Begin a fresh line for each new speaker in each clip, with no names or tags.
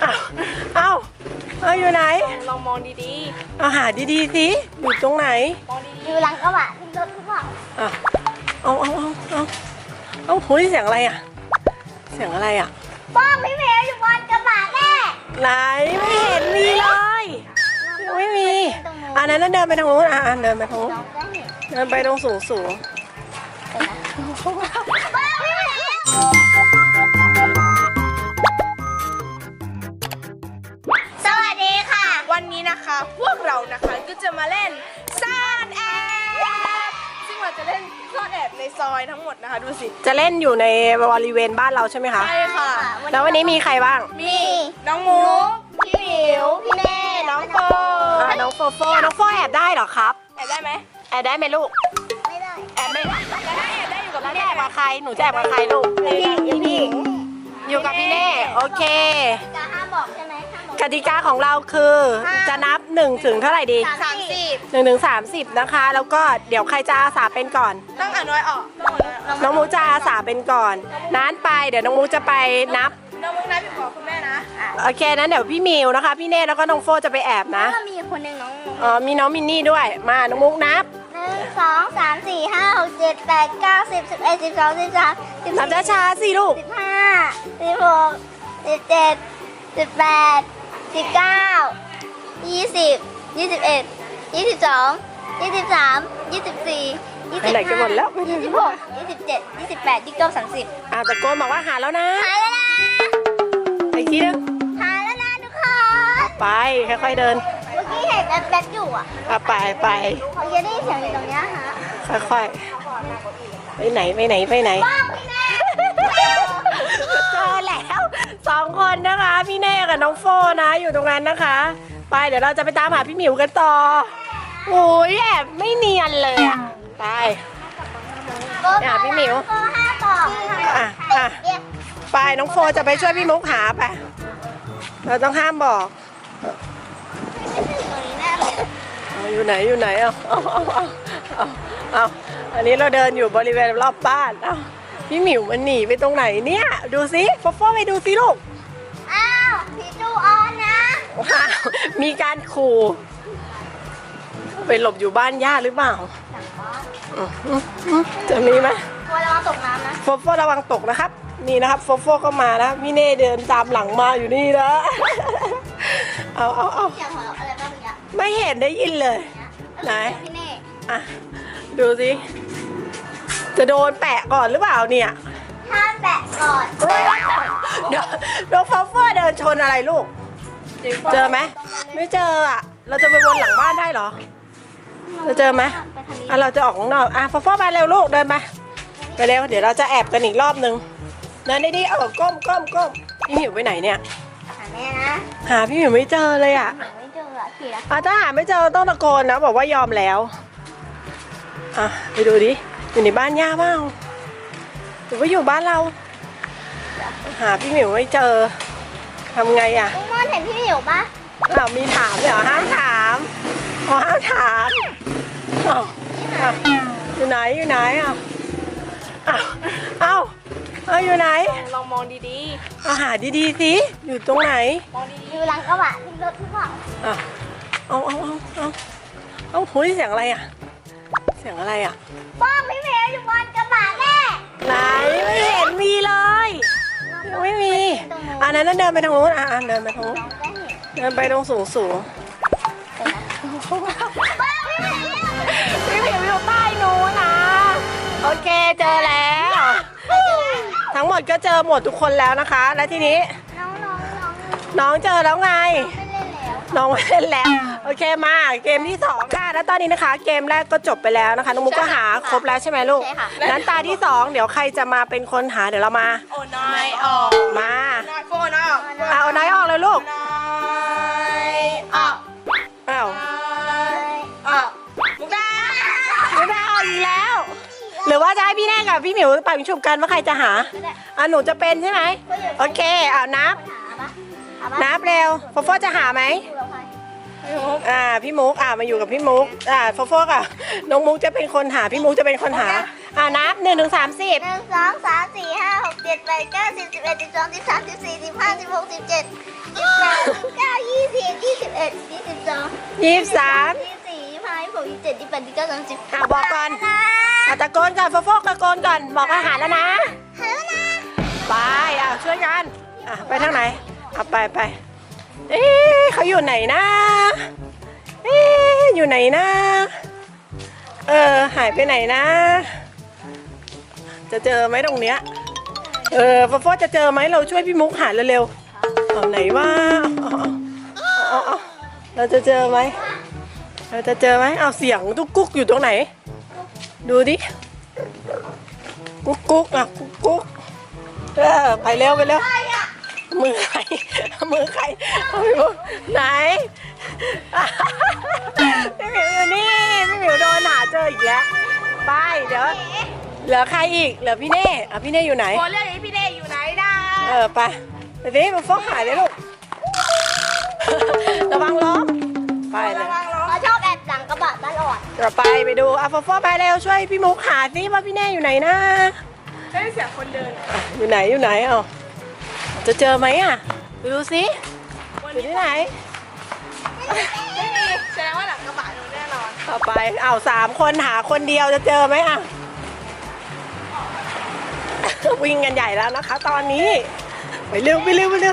เอาอยู่ไหน
ลองมองดี
เอาหาดีๆสิอยู่ตรงไหน
ๆมองดี
อยู่หลังกระบะที่รถหรือเปล่า
เอาหูยเสียงอะไรอ่ะเสียงอะไรอ่ะ
ป้องพี่เมย์อยู่บนกระบะแม่
ไหนไม่เห็นมีเลยไม่มีอันนั้นเดินไปทางนู้นเดินไปทางนู้นเดินไปตรงสูง
สวัสดีค่ะ
วันนี้นะคะพวกเรานะคะก็จะมาเล่นซ่อนแอบซึ่งเราจะเล่นซ่อนแอบในซอยทั้งหมดนะคะดูสิ
จะเล่นอยู่ในบริเวณบ้านเราใช่ไหมคะ
ใช่ค่ะ
แล้ววันนี้มีใครบ้าง
มีน้องมุกพี่หมิวพี่เน่น้องโฟ
น้องโฟแอบได้เหรอครับ
แอบได้ไหม
แอบได้ไหมลูก
ไม่ได้
แอบไม่ได้
แอบได้อยู่กับ
แล้ว
พี่
แอ
เน่
บกับใครหนูจะแอบกับใครลูกพี่หญิงอยู่กับพี่เน่โอเค
จะห้ามบอกใช่ไหมห้ามบอก
กติกาของเราคือจะนับ1 ถึงเท่าไหร่ดี
30
1 ถึง 30นะคะแล้วก็เดี๋ยวใครจะอาสาเป็นก่อน
ต้องอ่านน้อยออก
น้องมูจะอาสาเป็นก่อนนั้นไปเดี๋ยวน้องมูจะไปนับ
น้องมุกนับอยู่กับคุณแม่นะ
โอเคนั้นเดี๋ยวพี่มิวนะคะพี่เน่แล้วก็น้องโฟจะไปแอบนะ
แล้วมีคนหนึ่งน้อง
มีน้องมินนี่ด้วยมาน้องมุกนับ
1 2 3 4 5 6 7 8 9 10 11 12 13
นับช้าๆสิลูก
15 16 17 18 19 20 21 22 23 24
ไปไหนกันหมดแล้ว
26 27 28 29 30
ตะโกนบอกว่าหาแล้วนะ
หายแล้วนะ
อีกทีนึง
หายแล้วนะทุกคน
ไปค่อยๆเดิน
เมื่อกี้เห็นแบทอยู่อ่ะ
ไป
เขาจะได้เสียงอยู่ตรงนี้ฮะ
ค่อยๆไปไหน
ป้องพี่แน่
เจอแล้ว2 คนนะคะพี่เน่กับน้องโฟนะอยู่ตรงนั้นนะคะไปเดี๋ยวเราจะไปตามหาพี่หมิวกันต่อโอ้ยแอบไม่เนียนเลยอ่ะไปหาพี่หมิวไปน้องโฟจะไปช่วยพี่มุกหาไปเราต้องห้ามบอกอยู่ไหนเอาอันนี้เราเดินอยู่บริเวณรอบบ้านพี่หมิวมันหนีไปตรงไหนเนี่ยดูสิโฟไปดูสิลูก
อ้าวพี่จูออนนะ
มีการขู่ไปหลบอยู่บ้านย่าหรือเปล่าจะมีไหม
ระวังตกน้ำนะ
โฟระวังตกนะครับนี่นะครับโฟก็มานะพี่เน่เดินตามหลังมาอยู่นี่นะเอา
อะไรบ้างเนี่ย
ไม่เห็นได้ยินเลยไหน
พี่เน่
ดูสิจะโดนแปะก่อนหรือเปล่าเนี่ย
ห้ามแปะก่อน
เดี๋ยวโฟเดินชนอะไรลูกเจอไหมไม่เจอเราจะไปวนหลังบ้านได้เหรอเราเจอไหมเราจะออกข้างนอกโฟไปเร็วลูกเดินไปเร็วเดี๋ยวเราจะแอบกันอีกรอบนึงเดินดีก้มพี่หมิวไปไหนเนี่ย
หาแม่นะ
หาพี่หมิวไม่เจอเลย
ไม่เจอขี่แล้ว
ถ้าหาไม่เจอต้องตะโกนนะบอกว่ายอมแล้วไปดูดิอยู่ในบ้านย่าบ้างหรือว่าอยู่บ้านเราหาพี่หมิวไม่เจอทำไง
ลุงมอนเห็นพี่หมิวปะ
มีถามเหรอห้ามถามห้ามถามอยู่ไหนอยู่ไหนอยู่ไหน
ลองมองดี
ๆหาดีๆสิอยู่ตรงไหน
มองดี
อยู่หลังกระบะที่รถหรือเปล่า
เอาหูยเสียงอะไรเสียงอะไร
ป้องพี่เมย์อยู่บนกระบะแม่
ไหนไม่เห็นมีเลยไม่มีอันนั้นเดินไปทางนู้นเดินไปทางนู้นเดินไปตรงสูงพี่หมิวอยู่ใต้นู้นนะโอเคเจอแล้วทั้งหมดก็เจอหมดทุกคนแล้วนะคะแล้วทีนี้น้องเจอแล้วไงน้องไม่เล่นแล้วโอเคมาเกมที่2ค่ะแล้วตอนนี้นะคะเกมแรกก็จบไปแล้วนะคะน้องมุกก็หาครบแล้วใช่ไหมลูกงั้นตาที่2เดี๋ยวใครจะมาเป็นคนหาเดี๋ยวเรามา
โอ้น้อยออก
มา
โฟน้อยออก
เอาน้อยออกเลยลูก
น้อยออกมุกได้
ออกอีกแล้วหรือว่าจะให้พี่แน่กับพี่หมิวไปฉุบกันว่าใครจะหาหนูจะเป็นใช่ไหมโอเคนับเร็วโฟจะหาไหมพี่มุกมาอยู่กับพี่มุกโฟกับน้องมุกจะเป็นคนหาพี่มุกจะเป็นคนหานับ1 ถึง 30
1 2 3 4 5 6 7 8 9 10 11 12 13 14 15 16 17 18 21 22
23
24 25 26 27 28 29 30
อ่ะบอกก่อนตะโกนก่อนโฟกตะโกนก่อนบอกอาหารแล้วนะ
ฮัลโหลนะ
ไปช่วยกันไปทางไหนไปเอ๊ะเขาอยู่ไหนนะเอ๊ะอยู่ไหนนะหายไปไหนนะ จะเจอไหมตรงเนี้ยโฟจะเจอไหมเราช่วยพี่มุกหาเร็วๆเอาไหนวะเอาเราจะเจอไหมเอาเสียงตุ๊กกุ๊กอยู่ตรงไหนดูดิกุ๊กกุ๊กกุ๊กไปเร็วมือใครเอาไปมุกไหนพี่หมิวอยู่นี่พี่หมิวโดนหาเจออีกแล้วไปเดี๋ยวเหลือใครอีกเหลือพี่เน่พี่เน่อยู่ไหน
โฟเรียกพี่เน่อยู่ไหนนะ
ไปเดี๋ยวนี้มาฟอกหายเลยลูกระวังล้มไปเลย
เขาชอบแอบหลังกระบะตลอด
เดี๋ยวไปดูฟอไปเร็วช่วยพี่มุกหาซิว่าพี่เน่อยู่ไหนนะ
ได้เสียงคนเดิน
อยู่ไหนจะเจอไหมไปดูซิอยู่ที่ไหน
ไม่มีแสดงว่าหลังกระบะโดนแน่นอน
ไป3 คนหาคนเดียวจะเจอไหมวิ่งกันใหญ่แล้วนะคะ ตอนนี้ไปเร็ว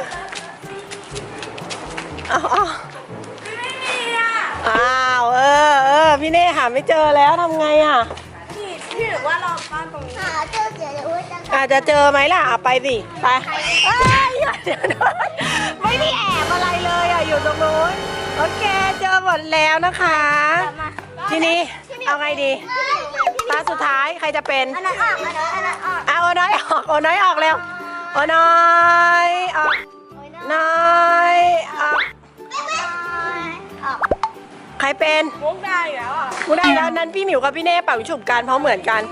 เอา
ไม่มีอ่ะ
พี่เน่หาไม่เจอแล้วทำไง
พี่ถือว่าเราบ้านตรงนี้
หาเจอเดี๋ยวจะ
อาจจะเจอไหมล่ะไปสิไปเดี๋ยวไม่ได้แอบอะไรเลยอยู่ตรงนู้นโอเคเจอหมดแล้วนะคะ ทีนี้เอาไงดีตาสุดท้ายใครจะเป็น
อันนั้นออกอันนั้นออก
โอน้อยออกเร็วโอน้อยออกน้อยออกใครเป็น
มุกได้แล้วอ่ะ
กูได้แล้วนั้นพี่หมิวกับพี่เน่เป่าฉุบกันเพราะเหมือนกัน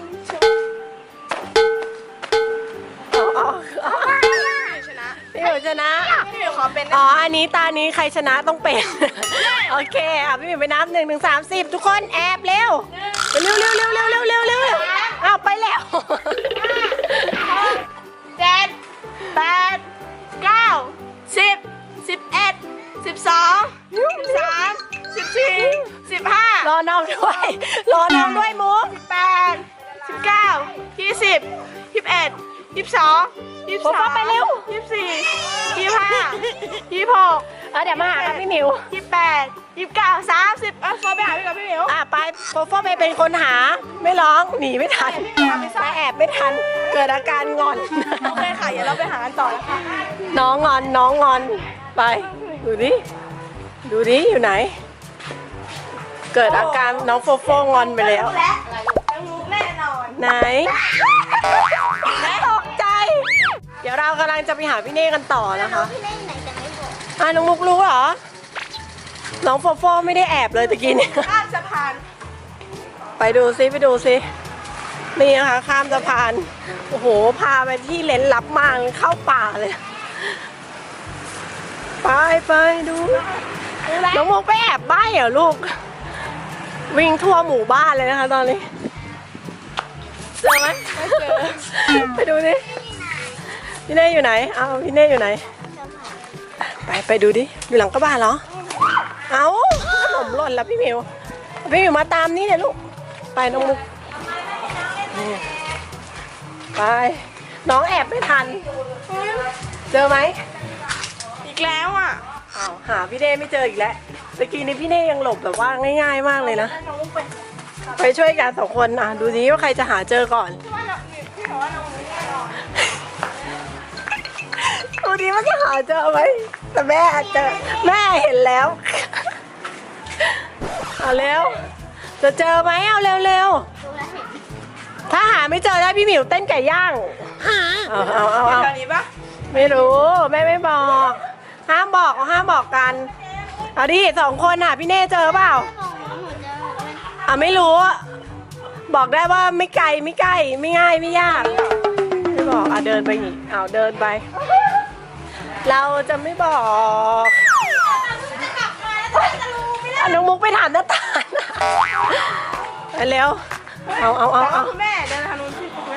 ชนะ
พี่หมิวชนะ
พี่หมิวขอเป็น
อันนี้ตานี้ใครชนะต้องเป็น โอเคพี่หมิวไปนับ1 ถึง 30ทุกคนแอบเร็วเร็วไปแล้ว
7 8 9 10 11 12 13 14 15
รอน้องด้วยมุก
18 19 20 21 22
โฟไปเร็ว
24 25 26
เดี๋ยวมาหากับพี่หมิว
28 29 30โฟไปหาพี่กับพี่หมิว
ไปโฟไปเป็นคนหาไม่ร้องหนีไม่ทันไปแอบไม่ทันเกิดอาการงอน
โอเคค่ะเดี๋ยวเราไปหากันต่อนะคะ
น้องงอนไปดูดิอยู่ไหน เกิดอาการน้องโฟงอนไปแล้ว
ทั้งมุกแน่นอน
ไหนตกใจ เดี๋ยวเรากำลังจะไปหาพี่เน่กันต่อนะคะ
พี่เล่นไหนแต่ไม่บอก
น้องมุกรู้เหรอน้องโฟไม่ได้แอบเลยตะกี้เนี่ย
ข้ามสะพาน
ไปดูซินี่นะคะข้ามสะพานโอ้โหพาไปที่เลนลับมากเข้าป่าเลยไปดูน้องมุกไปแอบบ้านเหรอลูกวิ่งทั่วหมู่บ้านเลยนะคะตอนนี้เจอไหมไม่เจอไปดูดิพี่เน่อยู่ไหนพี่เน่อยู่ไหนไปดูดิอยู่หลังกระบะเหรอขนมหล่นแล้วพี่หมิวมาตามนี่เลยลูกไปน้องมุกไปน้องแอบไม่ทันเจอไหม
อีกแล้วอ่ะ
หาพี่เน่ไม่เจออีกแล้วตะกี้นี้พี่เน่ยังหลบแบบว่าง่ายๆมากเลยนะไปช่วยกัน2 คนดูสิว่าใครจะหาเจอก่อนดูดิว่าจะหาเจอไหมแต่แม่เจอแม่เห็นแล้วเร็วจะเจอไหมเร็วถ้าหาไม่เจอได้พี่หมิวเต้นไก่ย่างเอา
แถวนี้ปะ
ไม่รู้แม่ไม่บอกห้ามบอกกันเอาดิ2 คนพี่เน่เจอเปล่าไม่รู้บอกได้ว่าไม่ไกลไม่ใกล้ไม่ง่ายไม่ยากไม่บอกเดินไปอีกเดินไป เราจะไม่บอกน้องมุกไปถามน้าตาลไปเร็วเอา
คุณแม่เดินทางนู้นพี่คุณแม่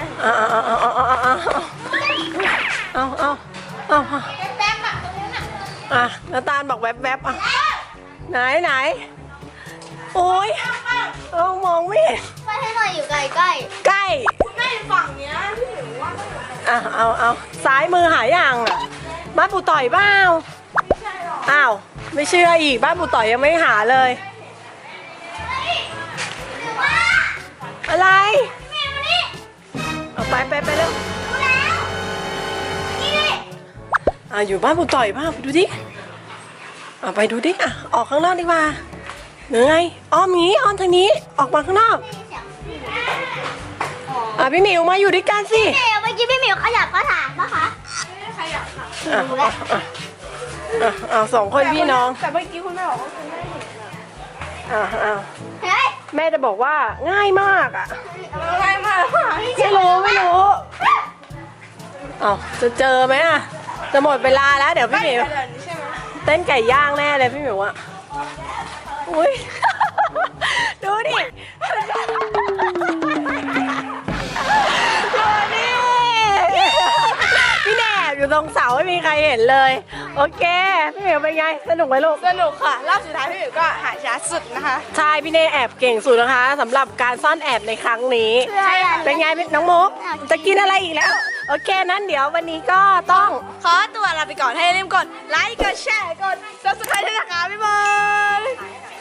น้าตาลบอกแวบไหนโอ้ยเรามองไม่เห็น
ไปให้หน่อยอยู่ใกล้
ใกล้
แม่อยู่ฝั่งเนี้ยพี่หมิวว่าต้องอยู่ตรง
เอาซ้ายมือหายังอ่ะบ้านปู่ต่อยเปล่าอ้าวไม่เชื่ออีกบ้านปู่ต่อยยังไม่หาเลย อะไรเอาไปเร็วอยู่บ้านปู่ต่อยเปล่าไปดูดิไปดูดิออกข้างนอกดีกว่าเหนื่อยอ้อมงี้อ้อมทางนี้ออกมาข้างนอกพี่หมิวมาอยู่ด้วยกันสิ
ๆเดี๋ยวเมื่อกี้พี่หมิวขยับกระถางปะคะ
ใครอยากค่ะ
สองคนพี่น้อง
แต่เมื่อกี้คุณแม่บอกว่าคุณแม่เห็น
เฮ้ย
แม่จะบอกว่าง่ายมาก
ง่ายมาก
ไม่รู้จะเจอไหมจะหมดเวลาแล้วเดี๋ยวพี่หมิว
เดินใช่ไหม
เต้นไก่ย่างแน่เลยพี่หมิวอุ้ย ดูดิพี่แหนบอยู่ตรงเสาไม่มีใครเห็นเลยโอเคพี่หมิวเป็นไงสนุกไหมลูก
สนุกค่ะรอบสุดท้ายพี่หมิวก็หาช้าสุดนะคะ
ใช่พี่เนแอบเก่งสุดนะคะสำหรับการซ่อนแอบในครั้งนี้ เป็นไงน้องมุกจะกินอะไรอีกแล้วโอเคนั้นเดี๋ยววันนี้ก็ต้อง
ขอตัวลาไปก่อนให้อย่าลืมกดไลค์กดแชร์กด subscribe ด้วยนะคะบ๊ายบาย